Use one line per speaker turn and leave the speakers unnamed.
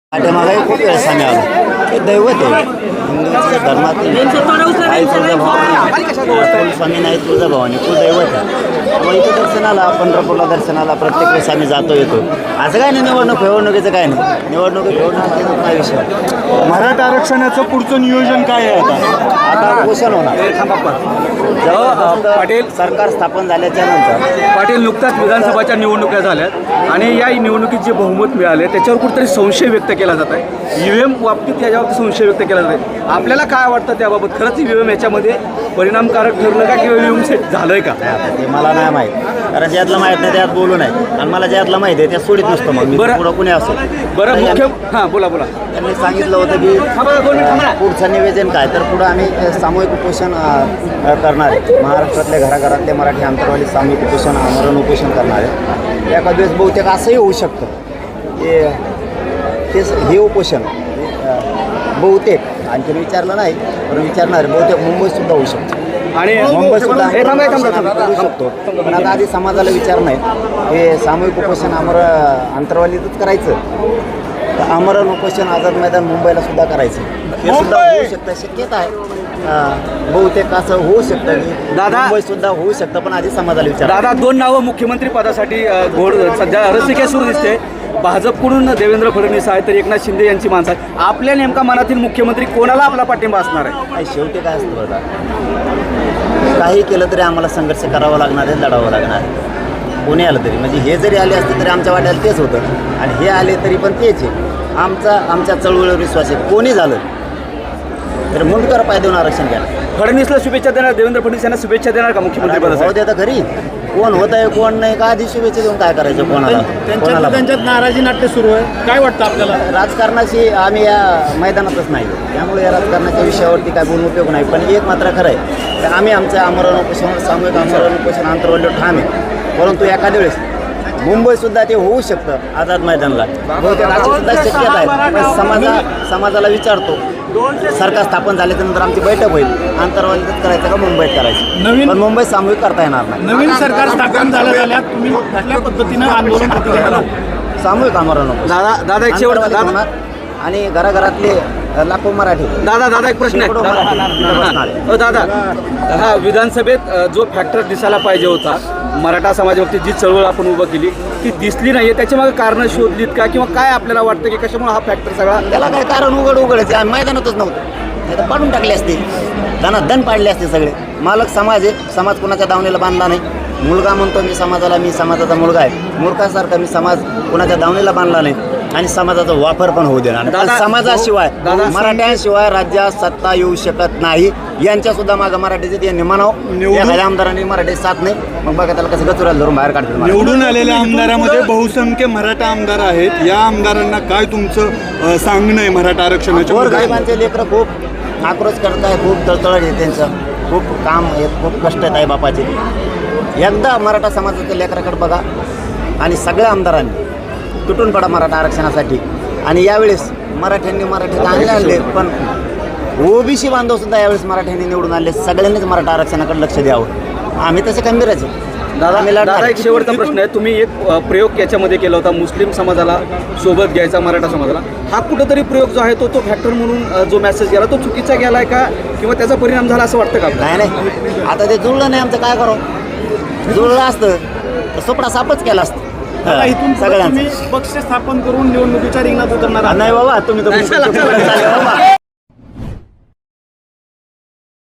पाठीमागाही खूप वेळेस आम्ही आलो. हे दैवत आहे हिंदूंच्या धर्मातील आई तुळजाभवानी, स्वामी नाही तुळजाभवानी कुलदैवत आहे. मग इथं दर्शनाला पंढरपूरला दर्शनाला प्रत्येक वेळेस आम्ही जातो येतो. असं काय नाही निवडणुकीचं काय नाही. निवडणुकी फेवणं नाही विषय.
मराठा आरक्षणाचं पुढचं नियोजन काय आहे
आता घोषण होणार पाटील सरकार स्थापन झाल्याच्या नंतर.
पाटील नुकताच विधानसभाच्या निवडणुका झाल्यात आणि या निवडणुकीत जे बहुमत मिळाले त्याच्यावर कुठेतरी संशय व्यक्त केला जात आहे. EVM बाबतीत याच्यावरती संशय व्यक्त केला जात आहे. आपल्याला काय वाटतं त्याबाबत? खरंच EVM याच्यामध्ये परिणामकारक ठरलं का किंवा EVM सेट झालंय का?
ते मला नाही माहीत, कारण ज्यातलं माहीत नाही त्यात बोलू नाही. आणि मला ज्यातलं माहिती आहे त्यात सोडित नसतो. मग मी पुढं कुणी असो.
बरं मुख्य बोला
त्यांनी सांगितलं होतं की पुढचं निवेदन काय, तर पुढं आम्ही सामूहिक उपोषण करणार आहे. महाराष्ट्रातल्या घराघरातले मराठी अंतरवाली सामूहिक उपोषण आमरण उपोषण करणार आहे. एका दिवस बहुतेक असंही होऊ शकतं की हे उपोषण बहुतेक आणखी विचारलं नाही पण विचारणार बहुतेक मुंबईतसुद्धा होऊ शकतं
आणि
मुंबईतसुद्धा करू शकतो. पण आता आधी समाजाला विचार नाही. हे सामूहिक उपोषण अंतरवालीतच करायचं तर आमरण उपोषण आझाद मैदान मुंबईला सुद्धा करायचं. हे सुद्धा होऊ शकतं, शक्यता आहे. बहुतेक असं होऊ शकतं की मुंबईत सुद्धा होऊ शकतं, पण आधी समाजाला विचार.
दादा, दोन नावं मुख्यमंत्री पदासाठी घोड सध्या रसिके सुरू दिसते. भाजपकडून देवेंद्र फडणवीस आहे तर एकनाथ शिंदे यांची माणसं आहे. आपल्या नेमका मनातील मुख्यमंत्री कोणाला आपला पाठिंबा असणार आहे?
शेवटी काय असतं बघा, काही केलं तरी आम्हाला संघर्ष करावा लागणार आहे, लढावं लागणार आहे. कोणी आलं तरी, म्हणजे हे जरी आले असते तरी आमच्या वाट्याला तेच होतं आणि हे आले तरी पण तेच आहे. आमच्या चळवळीवर विश्वास आहे. कोणी झालं तर मुंडकर पाय देऊन आरक्षण घ्या.
फडणवीसला शुभेच्छा देणार, देवेंद्र फडणवीस यांना शुभेच्छा देणार का मुख्यमंत्री पदासाठी?
हो देता घरी. कोण होत आहे कोण नाही का आधी शुभेच्छा देऊन काय करायचं कोणाला?
त्यांच्यात नाराजी नाट्य सुरू आहे. काय वाटतं आपल्याला?
राजकारणाशी आम्ही या मैदानातच नाही, त्यामुळे या राजकारणाच्या विषयावरती काय बोलून उपयोग नाही. पण एक मात्र खरं आहे तर आम्ही आमच्या आमरण उपोषण सामूहिक आमरण उपोषण आंतरवल्य ठाम आहे. परंतु एखाद्या वेळेस मुंबईतसुद्धा ते होऊ शकतं आझाद मैदानला. बहुतेक अशी सुद्धा शक्यता आहे. पण समाजाला विचारतो, सरकार स्थापन झाल्यानंतर आमची बैठक होईल. आंतरवालीतच करायचं का मुंबईत करायचं? पण मुंबईत सामूहिक करता येणार नाही.
नवीन सरकार स्थापन झाल्या तुम्ही कुठल्या पद्धतीनं आंदोलन करणार?
सामूहिक आमरण
दादा एक शेवट
होणार आणि घराघरातले लाखो मराठी.
दादा एक प्रश्न आहे. दादा, हा विधानसभेत जो फॅक्टर दिसायला पाहिजे होता, मराठा समाजावरती जी चळवळ आपण उभं केली ती दिसली नाही. त्याच्यामागे कारणं शोधलीत का किंवा काय आपल्याला वाटतं की कशामुळे हा फॅक्टर सगळा?
त्याला काय कारण उघडच मैदानातच नव्हतं. नाही तर पाडून टाकले असते, दण पाडले असते सगळे. मालक समाज आहे, समाज कोणाच्या दावणीला बांधला नाही. मुलगा म्हणतो मी समाजाला, मी समाजाचा मुलगा आहे. मूर्खासारखा मी समाज कोणाच्या दावणीला बांधला नाही आणि समाजाचा वापर पण होऊ देणार नाही. समाजाशिवाय मराठ्यांशिवाय राज्यात सत्ता येऊ शकत नाही. यांच्या सुद्धा मागं मराठीचे यांनी म्हणावं. एखाद्या आमदारांनी मराठी साथ नाही, मग बघा त्याला कसं गचुराला धरून बाहेर काढतात.
निवडून आलेल्या आमदारामध्ये बहुसंख्य मराठा आमदार आहेत. या आमदारांना काय तुमचं सांगणं आहे मराठा आरक्षणाच्या?
गोरगरिबांचे लेकरं खूप आक्रोश करत आहे, खूप तळतळ आहे त्यांचं, खूप काम आहे, खूप कष्ट आहेत आई बापाचे. एकदा मराठा समाजाच्या लेकराकडे बघा आणि सगळ्या आमदारांनी तुटून पडा मराठा आरक्षणासाठी. आणि यावेळेस मराठ्यांनी चांगले आणले, पण OBC बांधव सुद्धा यावेळेस मराठ्यांनी निवडून आणले. सगळ्यांनीच मराठा आरक्षणाकडे लक्ष द्यावं. आम्ही तसे खंबीरच आहे.
दादा एक शेवटचा प्रश्न आहे. तुम्ही एक प्रयोग याच्यामध्ये केला होता, मुस्लिम समाजाला सोबत घ्यायचा मराठा समाजाला. हा कुठंतरी प्रयोग जो आहे तो फॅक्टर म्हणून जो मेसेज गेला तो चुकीचा गेलाय का किंवा त्याचा परिणाम झाला असं वाटतं का?
नाही आता ते जुळलं नाही. आमचं काय करावं? जुळलं असतं तर सोपडा सापच केला असतं.
इथून सगळ्यांनी पक्ष स्थापन करून निवडणुकीच्या रिंगणात उतरणार
नाही बाबा, तुम्ही तर